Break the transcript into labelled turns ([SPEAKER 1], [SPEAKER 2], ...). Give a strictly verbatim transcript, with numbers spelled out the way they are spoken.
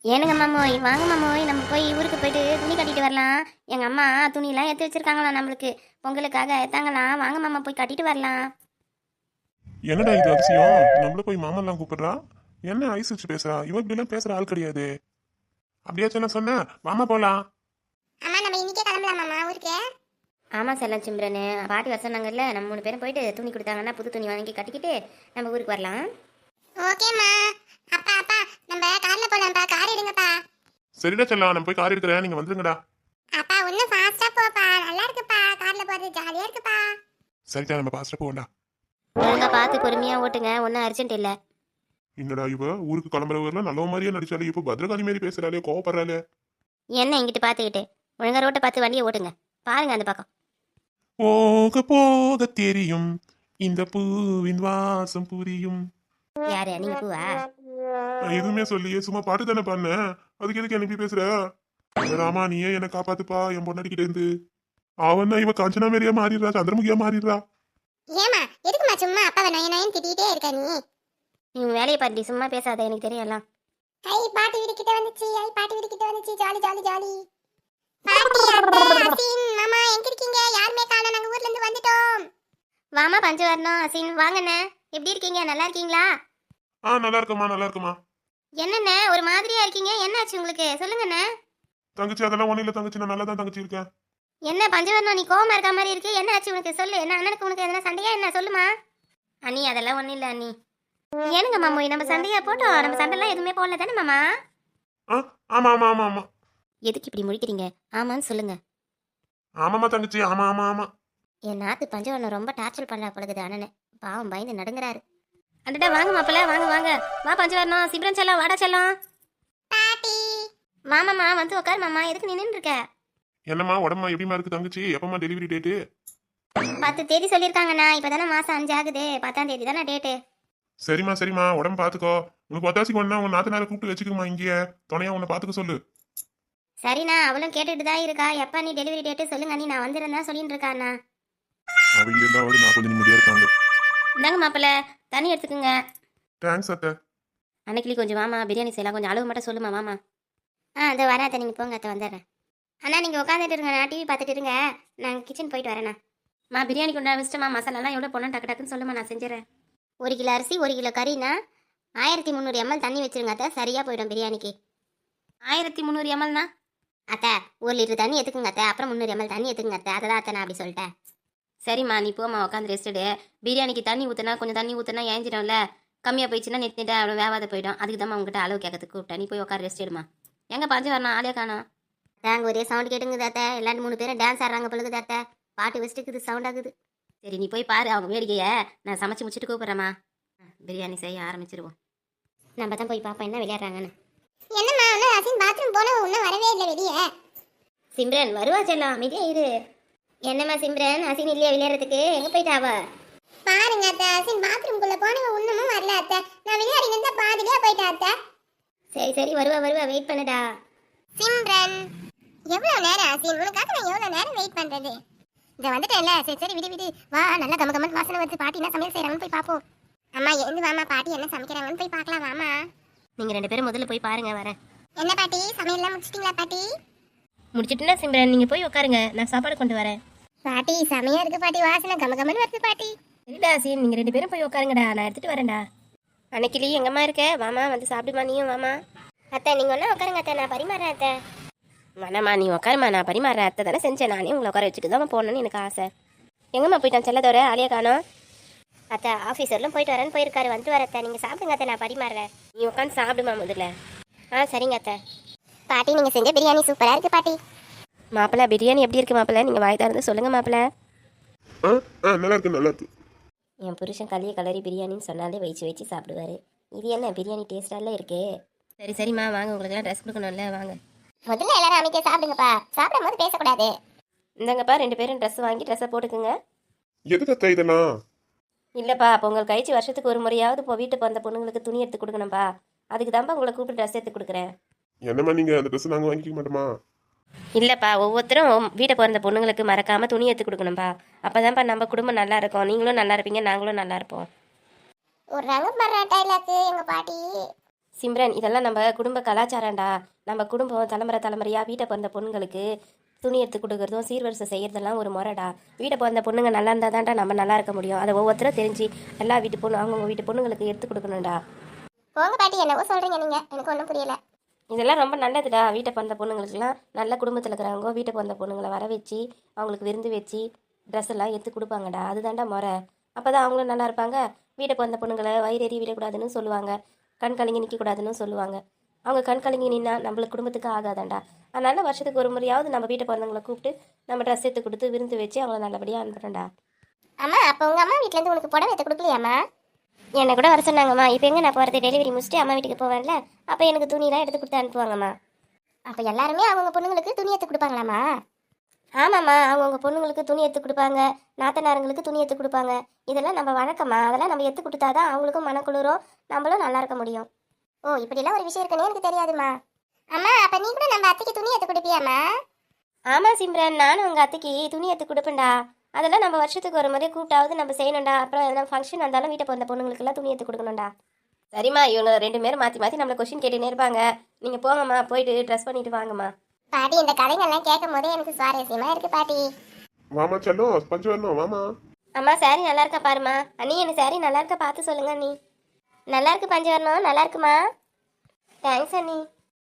[SPEAKER 1] ஏனுங்க மாமோய், வாங்க மாமோய், நம்ம போய் ஊருக்கு போயிட்டு துணி கட்டிட்டு வரலாம். எங்க அம்மா துணியெல்லாம் எடுத்து வச்சிருக்காங்களாம் நம்மளுக்கு பொங்கலுக்காக எடுத்தாங்களாம். வாங்க மாமா போய் கட்டிட்டு வரலாம்.
[SPEAKER 2] என்னடா இது அதிசயம்? நம்மள போய் மாமன்லாம் கூப்பிடுறா. என்ன ஐஸ் வச்சு பேசுறா? இவன் இப்படி எல்லாம் பேசுற ஆள் கிடையாது. அப்படியாச்சும் நான் சொன்னேன், மாமா போலாம்.
[SPEAKER 3] அம்மா நம்ம இன்னைக்கே கிளம்பலாம் மாமா ஊருக்கு.
[SPEAKER 1] ஆமா செல்லம் சிம்ரனு, பாட்டி வர சொன்னாங்கல்ல, நம்ம மூணு பேரும் போயிட்டு துணி கொடுத்தாங்கன்னா புது துணி வாங்கி கட்டிக்கிட்டு நம்ம ஊருக்கு வரலாம்.
[SPEAKER 3] ஓகேம்மா. அப்பா அப்பா நம்ம கார்ல போலாம்ப்பா. கார் எடுங்கப்பா.
[SPEAKER 2] சரிடா செல்லாம், நான் போய் கார் எடுக்கிறேன், நீங்க வந்துருங்கடா.
[SPEAKER 3] அப்பா இன்னும் ஃபாஸ்டா போப்பா. நல்லா இருக்குப்பா. கார்ல போறது ஜாலியா இருக்குப்பா.
[SPEAKER 2] சரிடா, நம்ம பாஸ்டா போவோம்டா.
[SPEAKER 1] ஒழுங்கா பார்த்து பொறுமையா ஓட்டுங்க, ஒன்றும் அர்ஜென்ட் இல்லை.
[SPEAKER 2] என்னடா இவ ஊருக்கு கிளம்புறவர்லாம் நல்ல மாதிரியே நடிச்சாலே, இப்போ பத்ரகாளி மாதிரி பேசுறாளே, கோவப்படுறாளே.
[SPEAKER 1] என்ன இங்கிட்டு பார்த்துக்கிட்டு ஒழுங்கா ரோட்டை பார்த்து வண்டியை ஓட்டுங்க. பாருங்க அந்த பக்கம்.
[SPEAKER 2] போக போக தெரியும் இந்த பூவின் வாசம் புரியும்.
[SPEAKER 1] யாரு நீங்க பூவா?
[SPEAKER 2] நான் எதுவுமே சொல்லியே, சும்மா பாட்டு தானே பண்ணேன். அதுக்கு எதுக்கு எனக்கு பேசுற? ராமா, நீயே என்ன காப்பாத்துப்பா என் பொண்ணாடிக்கிட்ட இருந்து. அவன் தான் இவ காஞ்சனா மாரியா மாறிடுறா, சந்திரமுகியா மாறிடுறா.
[SPEAKER 3] ஏமா எதுக்குமா சும்மா அப்பாவை நய நயன் திட்டிகிட்டே இருக்க நீ?
[SPEAKER 1] நீ உன் வேலையை பாட்டி, சும்மா பேசாத, எனக்கு தெரியலாம்.
[SPEAKER 3] ஐ பாட்டி வீடு கிட்ட வந்துச்சு. ஐ பாட்டி வீடு கிட்ட வந்துச்சு. Jolly jolly jolly. பாட்டி அத்தை அசின் மாமா எங்க இருக்கீங்க? யாருமே காணோம். நாங்க ஊர்ல இருந்து வந்துட்டோம்.
[SPEAKER 1] வாமா பஞ்சு வரணும். அசின் வாங்கண்ணே, எப்படி இருக்கீங்க? நல்லா இருக்கீங்களா?
[SPEAKER 2] ஆ, நல்லா இருக்குமா, நல்லா இருக்குமா.
[SPEAKER 1] என்னண்ணே ஒரு மாதிரியா இருக்கீங்க, என்னாச்சு உங்களுக்கு? சொல்லுங்கண்ணே.
[SPEAKER 2] தங்கச்சி அதெல்லாம் ஒண்ணு இல்ல தங்கச்சி, நான் நல்லா தான் தங்கச்சி இருக்கேன்.
[SPEAKER 1] என்ன பஞ்சவர்ணம், நீ கோவமா இருக்க மாதிரி இருக்கு, என்ன ஆச்சு உனக்கு? சொல்லு. என்ன அண்ணனுக்கு உனக்கு எதனா சண்டையா என்ன? சொல்லுமா. அண்ணி அதெல்லாம் ஒன்றும் இல்லை அண்ணி. ஏனுங்க மாமோய், நம்ம சண்டையா போட்டோம், நம்ம சண்டைலாம் எதுவுமே போடல தானே மாமா?
[SPEAKER 2] ஆ, ஆமா ஆமா ஆமா ஆமா
[SPEAKER 1] எதுக்கு இப்படி முடிக்கிறீங்க? ஆமான்னு சொல்லுங்க.
[SPEAKER 2] ஆமாமா தங்கச்சி, ஆமா ஆமா ஆமா.
[SPEAKER 1] என் நாத்து பஞ்சவர்ணம் ரொம்ப டார்ச்சர் பண்ணா பழகுது அண்ணனை. பாவம் பயந்து நடுங்குறாரு. அண்டடா வாங்க மாப்பிள்ள, வாங்க வாங்க. வா பஞ்சவர்ணம், சிப்ரன் செல்லம், வாடா செல்லம்.
[SPEAKER 3] பாட்டி
[SPEAKER 1] மாமாமா வந்து உட்காரு மாமா, எதுக்கு நின்று இருக்க?
[SPEAKER 2] என்னம்மா உடம்பு எப்படிமா இருக்கு தங்கச்சி? எப்பமா டெலிவரி டேட்டு?
[SPEAKER 1] பத்து தேதி சொல்லியிருக்காங்கண்ணா. இப்போதானே மாசம் அஞ்சு ஆகுது. பத்தாம் தேதி தானே டேட்டு.
[SPEAKER 2] சரிம்மா சரிம்மா, உடம்பு பாத்துக்கோ. உனக்கு ஒத்தாசிக்கு ஒண்ணா உன் நாத்து நேரம் கூப்பிட்டு வச்சுக்கோமா, இங்கே துணையா உன்னை பாத்துக்க சொல்லு.
[SPEAKER 1] சரிண்ணா, அவளும் கேட்டுட்டு தான் இருக்கா. எப்போ நீ டெலிவரி டேட்டு சொல்லுங்க நீ, நான் வந்துருந்தா சொல்லிட்டு இருக்காண்ணா.
[SPEAKER 2] அவங்க இருந்தாவது நான் கொஞ்சம் நிம்மதியா இருக்காங்க.
[SPEAKER 1] இந்தாங்க மாப்பிள்ள, தண்ணி எடுத்துக்கோங்க.
[SPEAKER 2] தேங்க்ஸ் அத்தை.
[SPEAKER 1] அன்னைக்கு கொஞ்சம் மாமா பிரியாணி செய்யலாம், கொஞ்சம் அளவு மட்டும் சொல்லுமா மாமா. ஆ அதோ வரேன் அத்தை, நீங்கள் போங்க அத்தை, வந்துடுறேன். அண்ணா நீங்கள் உட்காந்துட்டு இருங்க, நான் டிவி பார்த்துட்டு இருங்க, நான் கிச்சன் போயிட்டு வரேண்ணா. மா பிரியாணி கொண்டா வச்சுட்டுமா, மசாலாலாம் எவ்வளோ போனால் டக்கு டக்குன்னு சொல்லுமா, நான் செஞ்சுறேன். ஒரு கிலோ அரிசி ஒரு கிலோ கறினா ஆயிரத்தி முந்நூறு எம்எல் தண்ணி வச்சுருங்க அத்தை, சரியாக போயிடும் பிரியாணிக்கு. ஆயிரத்தி முந்நூறு எம்எல்னா அத்தை ஒரு லிட்டர் தண்ணி எடுத்துக்குங்க அத்தை, அப்புறம் முந்நூறு எம்எல் தண்ணி எடுத்துக்குங்க அத்தை, அதை தான் அத்தை நான் அப்படி சொல்லிட்டேன். சரிம்மா நீ போமா, உட்காந்து ரெஸ்ட்டு. பிரியாணிக்கு தண்ணி ஊற்றினா கொஞ்சம் தண்ணி ஊற்றினா ஏஞ்சிடும்ல, கம்மியாக போயிடுச்சுன்னா நெட் நெட்டாக அவ்வளோ வேவாத போயிடும். அதுக்கு தான் உங்ககிட்ட அளவு கேட்கறதுக்கு கூப்பிட்டேன். நீ போய் உட்காந்து ரெஸ்ட் எடுமா. எங்கே பஞ்சு வரணும், ஆளே காணோம். தாங்க ஒரே சவுண்ட் கேட்டுங்குது அத்தை, எல்லாரும் மூணு பேரும் டான்ஸ் ஆடுறாங்க பொழுது அத்தை, பாட்டு வச்சுட்டுக்குது, சவுண்ட் ஆகுது. சரி நீ போய் பாரு அவங்க வேடிக்கையை, நான் சமைச்சு முடிச்சுட்டு கூப்பிட்றேம்மா. பிரியாணி செய்ய ஆரம்பிச்சிருவோம். நம்ம தான் போய் பார்ப்போம் என்ன விளையாடுறாங்கன்னு.
[SPEAKER 3] என்னம்மா இன்னும் அசின் பாத்ரூம் போனவ இன்னும் வரவே இல்லை வெளியே.
[SPEAKER 1] சிம்ரன் வருவா செல்லம், அமைதியா இரு. என்னம்மா சிம்ரன், அசின் இல்லையா விளையாடுறதுக்கு? எங்கே போயிட்டாவா?
[SPEAKER 3] பாருங்க அத்தை, அசின் பாத்ரூம்குள்ள போனவ இன்னமும் வரல அத்தை. நான் விளையாடி இருந்தா பாதிரியா போயிட்டா அத்தை.
[SPEAKER 1] சரி சரி வருவா வருவா, வெயிட் பண்ணுடா.
[SPEAKER 3] சிம்ரன் எவ்வளவு நேரம் அசின்? உனக்காக நான் எவ்வளவு நேரம் வெயிட் பண்றது? இதை வந்துட்டேன்ல, சரி சரி விடு விடு. வா, நல்லா கம கமன் வாசனை வந்து பாட்டி என்ன சமையல் செய்யறாங்கன்னு போய் பார்ப்போம். அம்மா எழுந்து வாமா, பாட்டி என்ன சமைக்கிறாங்கன்னு போய் பார்க்கலாம் வாமா.
[SPEAKER 1] நீங்கள் ரெண்டு பேரும் முதல்ல போய் பாருங்க, வரேன்.
[SPEAKER 3] என்ன பாட்டி சமையல்லாம் முடிச்சிட்டீங்களா பாட்டி?
[SPEAKER 1] முடிச்சிட்டுனா சிம்ரன் நீங்கள் போய் உட்காருங்க, நான் சாப்பாடு கொண்டு வரேன்.
[SPEAKER 3] பாட்டி செமையா இருக்கு பாட்டி, வாசனை கம கமன் வருது பாட்டி.
[SPEAKER 1] சரிடா சீன், நீங்கள் ரெண்டு பேரும் போய் உட்காருங்கடா, நான் எடுத்துகிட்டு வரேன்டா. அன்னைக்கிளி எங்கம்மா இருக்க? வாமா வந்து சாப்பிடுமா நீயும், வாமா. அத்தை நீங்கள் ஒன்றா உட்காருங்க அத்தை, நான் பரிமாறேன் அத்தை. வேணாம்மா நீ உட்காருமா, நான் பரிமாறேன். அத்தை தானே செஞ்சேன், நானே உங்களை உட்கார வச்சுட்டு தான் போகணுன்னு எனக்கு ஆசை. எங்கம்மா போயிட்டான் செல்லதோட, ஆலியா காணோம். அத்தை ஆஃபீஸர்லாம் போயிட்டு வரேன்னு போயிருக்காரு, வந்து வர அத்தை. நீங்கள் சாப்பிடுங்க அத்தை, நான் பரிமாறுறேன். நீ உட்காந்து சாப்பிடுமா முதல்ல. ஆ சரிங்க அத்தை.
[SPEAKER 3] பாட்டி நீங்க செஞ்ச பிரியாணி சூப்பரா இருக்கு பாட்டி.
[SPEAKER 1] மாப்பிள்ள பிரியாணி எப்படி இருக்கு மாப்பிள்ள? நீங்கள் வாய் திறந்து சொல்லுங்கள் மாப்பிள்ள.
[SPEAKER 2] ஆ ஆ நல்லா இருக்கு நல்லா இருக்கு.
[SPEAKER 1] என் புருஷன் களிய கலரி பிரியாணின்னு சொன்னாலே வச்சு வச்சு சாப்பிடுவாரு. இது என்ன பிரியாணி டேஸ்டால இருக்கே. சரி சரிம்மா வாங்க, உங்களுக்குலாம் ட்ரெஸ் கொடுக்கணும்ல, வாங்க.
[SPEAKER 3] முதல்ல எல்லாரும் அமைக்க சாப்பிடுங்கப்பா, சாப்பிடும் போது பேசக்கூடாது.
[SPEAKER 1] இந்தாங்கப்பா ரெண்டு பேரும் ட்ரெஸ் வாங்கி ட்ரெஸ்ஸை போட்டுக்குங்க.
[SPEAKER 2] எதுக்கு அத்தை இதெல்லாம்?
[SPEAKER 1] இல்லைப்பா பொங்கல் கழிச்சு வருஷத்துக்கு ஒரு முறையாவது இப்போ வீட்டுக்கு வந்த பொண்ணுங்களுக்கு துணி எடுத்து கொடுக்கணும்ப்பா, அதுக்கு தான்ப்பா உங்களை கூப்பிட்டு ட்ரெஸ் எடுத்து கொடுக்குறேன்.
[SPEAKER 2] என்னம்மா நீங்க அந்த ட்ரெஸ் நாங்க வாங்கிக்க மாட்டோமா?
[SPEAKER 1] இல்லைப்பா ஒவ்வொருத்தரும் வீட்டை பிறந்த பொண்ணுங்களுக்கு மறக்காமல் துணி எடுத்து கொடுக்கணும்ப்பா, அப்போ தான்ப்பா நம்ம குடும்பம் நல்லா இருக்கும், நீங்களும் நல்லா இருப்பீங்க, நாங்களும் நல்லா இருப்போம்.
[SPEAKER 3] ஒரு ரங்க மர டைலாக்கு எங்க பாட்டி.
[SPEAKER 1] சிம்ரன் இதெல்லாம் நம்ம குடும்ப கலாச்சாரம்டா. நம்ம குடும்பம் தலைமுறை தலைமுறையாக வீட்டை பிறந்த பொண்ணுங்களுக்கு துணி எடுத்து கொடுக்குறதும் சீர்வரிசை செய்கிறதெல்லாம் ஒரு முறைடா. வீட்டை பிறந்த பொண்ணுங்க நல்லா இருந்தால் தான்டா நம்ம நல்லா இருக்க முடியும். அதை ஒவ்வொருத்தரும் தெரிஞ்சு எல்லா வீட்டு பொண்ணு அவங்கவுங்க வீட்டு பொண்ணுங்களுக்கு எடுத்து கொடுக்கணும்டா.
[SPEAKER 3] போங்க பாட்டி, என்னவோ சொல்றீங்க நீங்க, எனக்கு ஒன்றும் புரியல.
[SPEAKER 1] இதெல்லாம் ரொம்ப நல்லதுடா. வீட்டை பிறந்த பொண்ணுங்களுக்குலாம் நல்ல குடும்பத்தில் இருக்கிறவங்க வீட்டை பிறந்த பொண்ணுங்களை வர வச்சு அவங்களுக்கு விருந்து வச்சு ட்ரெஸ் எல்லாம் எடுத்து கொடுப்பாங்கடா. அதுதான்டா முறை. அப்போ தான் அவங்களும் நல்லா இருப்பாங்க. வீட்டை பிறந்த பொண்ணுங்களை வயிறேறி விடக்கூடாதுன்னு சொல்லுவாங்க, கண் கலங்கி நிற்கக்கூடாதுன்னு சொல்லுவாங்க. அவங்க கண் கலங்கி நின்னா நம்மளுக்கு குடும்பத்துக்கு ஆகாதாண்டா. அதனால வருஷத்துக்கு ஒரு முறையாவது நம்ம வீட்டை பிறந்தவங்களை கூப்பிட்டு நம்ம ட்ரெஸ் எடுத்து கொடுத்து விருந்து வச்சு அவங்கள நல்லபடியாக அனுப்புகிறேன்டா.
[SPEAKER 3] அம்மா, அப்போ உங்க அம்மா வீட்ல இருந்து உனக்கு புடவை எடுத்து கொடுக்கலையாம்மா?
[SPEAKER 1] என்னை கூட வர சொன்னாங்கம்மா. இப்போ எங்கே நான் போகிறது, டெலிவரி முடிச்சுட்டு அம்மா வீட்டுக்கு போவேன்ல, அப்போ எனக்கு துணியெல்லாம் எடுத்து கொடுத்து அனுப்புவாங்கம்மா.
[SPEAKER 3] அப்ப எல்லாருமே அவங்க பொண்ணுங்களுக்கு துணி எடுத்து கொடுப்பாங்களாம்மா?
[SPEAKER 1] ஆமாம்மா, அவங்கவுங்க பொண்ணுங்களுக்கு துணி எடுத்து கொடுப்பாங்க, நாத்தனாருங்களுக்கு துணி எடுத்து கொடுப்பாங்க. இதெல்லாம் நம்ம வழக்கம்மா. அதெல்லாம் நம்ம எடுத்து கொடுத்தாதான் அவங்களுக்கும் மனக்குளிரும், நம்மளும் நல்லா இருக்க முடியும்.
[SPEAKER 3] ஓ, இப்படிலாம் ஒரு விஷயம் இருக்குன்னு எனக்கு தெரியாதுமா. அம்மா, அப்ப நீ கூட நம்ம அத்தைக்கு துணி எடுத்து கொடுப்பியாம்மா?
[SPEAKER 1] ஆமாம் சிம்ரன், நானும் உங்கள் அத்தைக்கு துணி எடுத்து கொடுப்பேன்டா. அதெல்லாம் நம்ம வருஷத்துக்கு ஒரு முறை கூப்பிட்டாவது நம்ம செய்யணும்டா. அப்புறம் எதனா ஃபங்க்ஷன் வந்தாலும் வீட்டை பிறந்த பொண்ணுங்களுக்கெல்லாம் துணி எடுத்து கொடுக்கணும்டா. சரிம்மா, இவங்க ரெண்டு பேரும் மாற்றி மாற்றி நம்மளை கொஸ்டின் கேட்டுனே இருப்பாங்க. நீங்கள் போங்கம்மா, போயிட்டு ட்ரெஸ் பண்ணிட்டு வாங்கம்மா.
[SPEAKER 3] பாட்டி, இந்த கதைகள்லாம் கேட்கும் போதே எனக்கு சுவாரஸ்யமா இருக்கு பாட்டி.
[SPEAKER 2] வாமா செல்லம், பஞ்சு வரணும் வாமா.
[SPEAKER 1] அம்மா சாரி நல்லா இருக்கா பாருமா. அண்ணி எனக்கு சாரி நல்லா இருக்கா பார்த்து சொல்லுங்க அண்ணி. நல்லா இருக்கு பஞ்சு வரணும், நல்லா இருக்குமா. தேங்க்ஸ் அண்ணி.